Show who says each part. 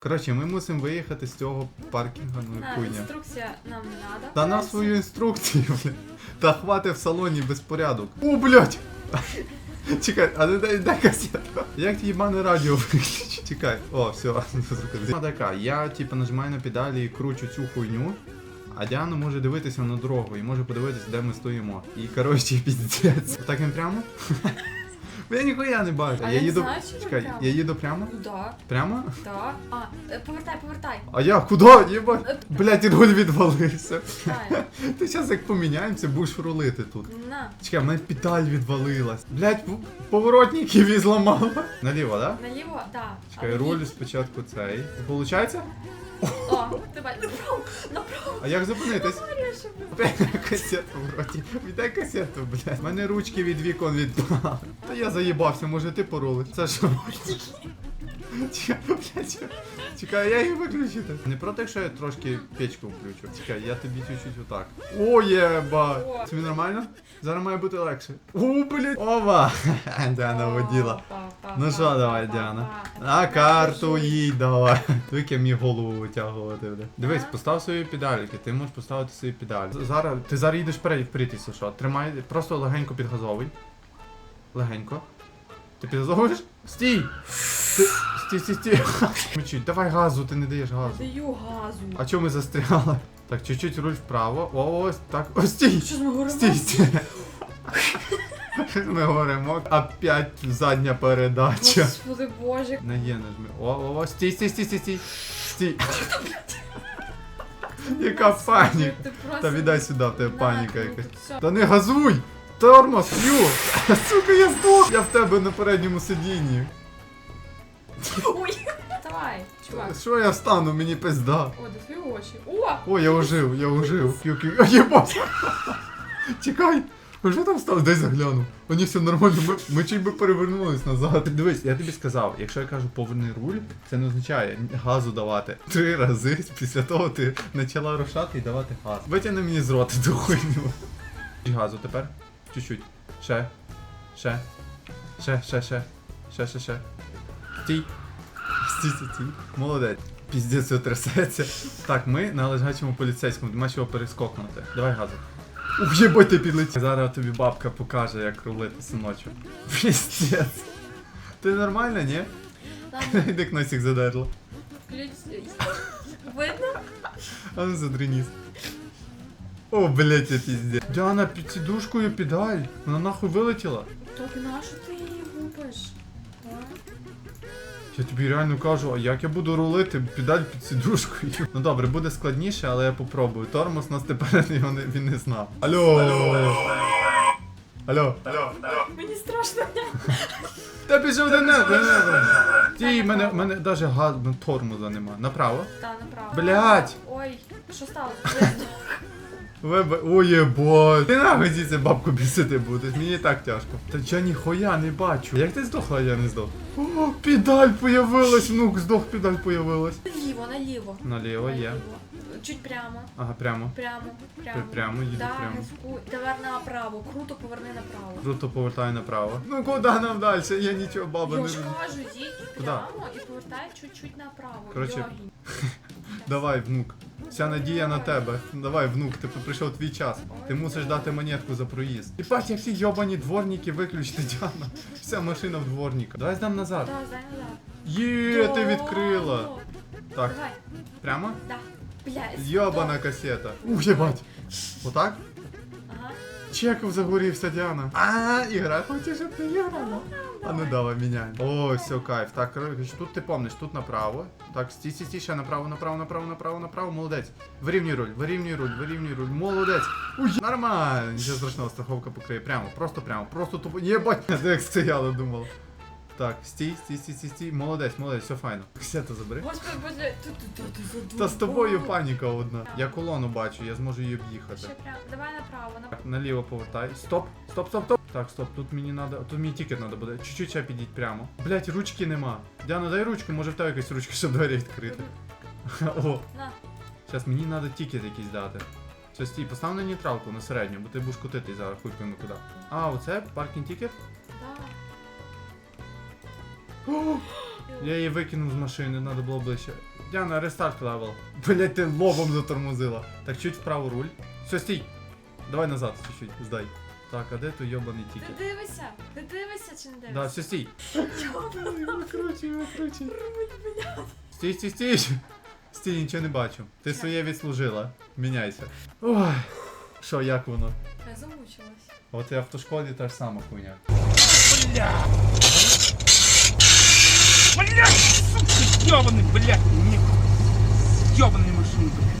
Speaker 1: Коротше, ми мусимо виїхати з цього паркінгу, ну і хуйня.
Speaker 2: Інструкція нам не надо.
Speaker 1: Та на свою інструкцію, блядь. Та хвати в салоні безпорядок. О, блядь! Чекай, а не дай касету. Як їбане радіо виключить? Чекай. О, все, зрозуміло. Така, я типу нажимаю на педалі і кручу цю хуйню, а Діана може дивитися на дорогу і може подивитися, де ми стоїмо. І коротше, піздець. Так він прямо? Я ніхуя не бачу.
Speaker 2: А
Speaker 1: Я
Speaker 2: я
Speaker 1: їду.
Speaker 2: знаю, що
Speaker 1: Чекай,
Speaker 2: прямо.
Speaker 1: я їду прямо?
Speaker 2: Ну да,
Speaker 1: Прямо?
Speaker 2: да. Повертай.
Speaker 1: А я куди? Єбать? Блять, руль відвалився.
Speaker 2: Дай.
Speaker 1: Ти зараз як поміняємося, будеш рулити тут.
Speaker 2: На.
Speaker 1: Чекай, в мене педаль відвалилась. Блять, поворотників і зламала. Наліво, да?
Speaker 2: Наліво, да.
Speaker 1: Чекай, руль спочатку цей. Получається?
Speaker 2: О, давай, направо.
Speaker 1: А як зупинитись?
Speaker 2: Говориш,
Speaker 1: Касету в роті. Віддай касету, блядь. У мене ручки від вікон відпали. Та я заїбався, може ти порулиш? Це що? Чекай, блядь, чекай, я її виключити. Не проти, якщо я трошки печку включу. Чекай, я тобі чуть-чуть отак. О, єба! Тобі нормально? Зараз має бути легше. О, блядь! Ова! Діана воділа. Ну що, давай, Діана. На карту їдь, давай. Тільки мені голову витягувати, бля. Дивись, постав свої педальки, ти можеш поставити свої педалі. Ти зараз їдеш вперед, якщо що. Тримай, просто легенько підгазовуй. Легенько. Ти підгазовуєш? Стій! Стій. Мчить, давай газу, ти не даєш газу.
Speaker 2: Даю газу.
Speaker 1: А чому ми застряли? Так, чуть-чуть руль вправо. Ось так. О, стій!
Speaker 2: Що ж ми говоримо?
Speaker 1: Стій. Ми говоримо, опять задня передача.
Speaker 2: Господи боже.
Speaker 1: Не є, нажми. О, стій. Стій. Яка паніка.
Speaker 2: Ти просто...
Speaker 1: Та віддай сюди, в тебе паніка
Speaker 2: На,
Speaker 1: якась.
Speaker 2: все.
Speaker 1: Та не газуй! Тормоз, фью! Сука, я здох! Я в тебе на передньому сидінні.
Speaker 2: Ой. Давай, чувак.
Speaker 1: Що я встану, мені пизда.
Speaker 2: О, де твої очі. О!
Speaker 1: О, я ожив. П'ю. Єбать! Чекай! А що там стало? Дай загляну. Мені все нормально, ми чуть би перевернулись назад. Дивись, я тобі сказав, якщо я кажу поверни руль, це не означає газу давати 3 рази, після того ти почала рушати і давати газ. Витягни мені з рота ту хуйню. Газу тепер. Чуть-чуть. Ще. Стій. Стій. Молодець. Піздець, все трясеться. Так, ми на лежачому поліцейському, нема чого перескокнути. Давай газу. Ух, єбать, ти підлетів. Зараз тобі бабка покаже, як рулити, синочок. Піздець. Ти нормально, ні?
Speaker 2: Ладно,
Speaker 1: Іди носик задерло.
Speaker 2: ключ. Видно?
Speaker 1: А ну задри ніс. О, блять, я піздець. Діана, під сідушкою педаль. Вона нахуй вилетіла.
Speaker 2: Так нащо ти її губиш?
Speaker 1: Я тобі реально кажу, а як я буду рулити педаль під сідушкою? Ну добре, буде складніше, але я попробую. Тормоз нас тепер він не знав. Алло.
Speaker 2: Мені страшно.
Speaker 1: Та пішов до неба. Ті, мене навіть газ, тормоза нема. Направо.
Speaker 2: Та, направо.
Speaker 1: Блять!
Speaker 2: Ой, що сталося?
Speaker 1: Ой, єбать. Ти нахуй звідси бабку бісити будеш, мені і так тяжко. Та я ніхуя не бачу. Як ти здохла, а я не здох? О, педаль появилась, внук, здох, педаль появилась.
Speaker 2: Наліво.
Speaker 1: Наліво є.
Speaker 2: Чуть прямо.
Speaker 1: Ага, прямо.
Speaker 2: Прямо.
Speaker 1: Їду
Speaker 2: Да,
Speaker 1: прямо.
Speaker 2: газку. Давай направо. Круто поверни направо.
Speaker 1: Круто повертаю направо. Ну куди нам далі? Я нічого, баба,
Speaker 2: Я
Speaker 1: не
Speaker 2: ж
Speaker 1: розумію.
Speaker 2: кажу, їдь прямо і повертай чуть-чуть направо.
Speaker 1: Коротше,
Speaker 2: Йогінь.
Speaker 1: Давай, внук. Вся надія на тебе. Давай, внук, ти прийшов твій час. Ти мусиш дати монетку за проїзд. І бать, як всі йобані дворники виключити, Діана. Вся машина в дворника. Давай здам назад.
Speaker 2: Да, здай назад.
Speaker 1: Є, ти відкрила. Так,
Speaker 2: Давай.
Speaker 1: прямо?
Speaker 2: Да. Блядь.
Speaker 1: Йобана касета. Ух, єбать. Отак?
Speaker 2: Ага.
Speaker 1: Чеков загорівся, Діана. Ігра, хочеш, щоб ти грала? А ну давай, міняй. О, все, кайф. Так, коротше, тут ти помниш, тут направо. Так, стій, ще направо, молодець. Вирівнюй руль, молодець. Уй, нормально. Нічого страшного, страховка покриє. Прямо, просто тупо. Єбать, як стояла, думала. Так, стій, молодець, все файно. Ксета забери.
Speaker 2: Господи, боже, ти задумав.
Speaker 1: Та з тобою паніка одна. Я колону бачу, я зможу її об'їхати.
Speaker 2: Ще прямо. Давай направо.
Speaker 1: Так, наліво повертай. Стоп. Так, стоп, тут мені надо. Тут мені тікет надо буде. Чуть-чуть ще підіть прямо. Блять, ручки нема. Діана, дай ручку, може в тебе якась ручка, щоб двері відкрити. О,
Speaker 2: На.
Speaker 1: зараз мені треба тікет якийсь дати. Все, стій, постав на нейтралку, на середню, бо ти будеш котитись зараз, хуй пойми куди. А, оце паркінг тікет?
Speaker 2: Да.
Speaker 1: О, Я її викинув з машини, треба було ближче. Діана, рестарт левел. Блять, ти лобом затормозила. Так, чуть вправо руль. Все, стій. Давай назад, чуть-чуть, здай. Так, а де той йобаний
Speaker 2: Ти
Speaker 1: тікет?
Speaker 2: дивишся? Ти дивишся чи не дивишся?
Speaker 1: Да, все, стій. Викручуй, викручуй.
Speaker 2: Руль, блядь.
Speaker 1: Стій, стій, стій. Стій, нічого не бачу. Ти своє відслужила. Міняйся. Ой. Що, як воно?
Speaker 2: Я замучилась.
Speaker 1: От і в автошколі та ж сама хуйня.
Speaker 3: Блядь, сука, ёбаный, блядь, не... Ёбаный машина, блядь.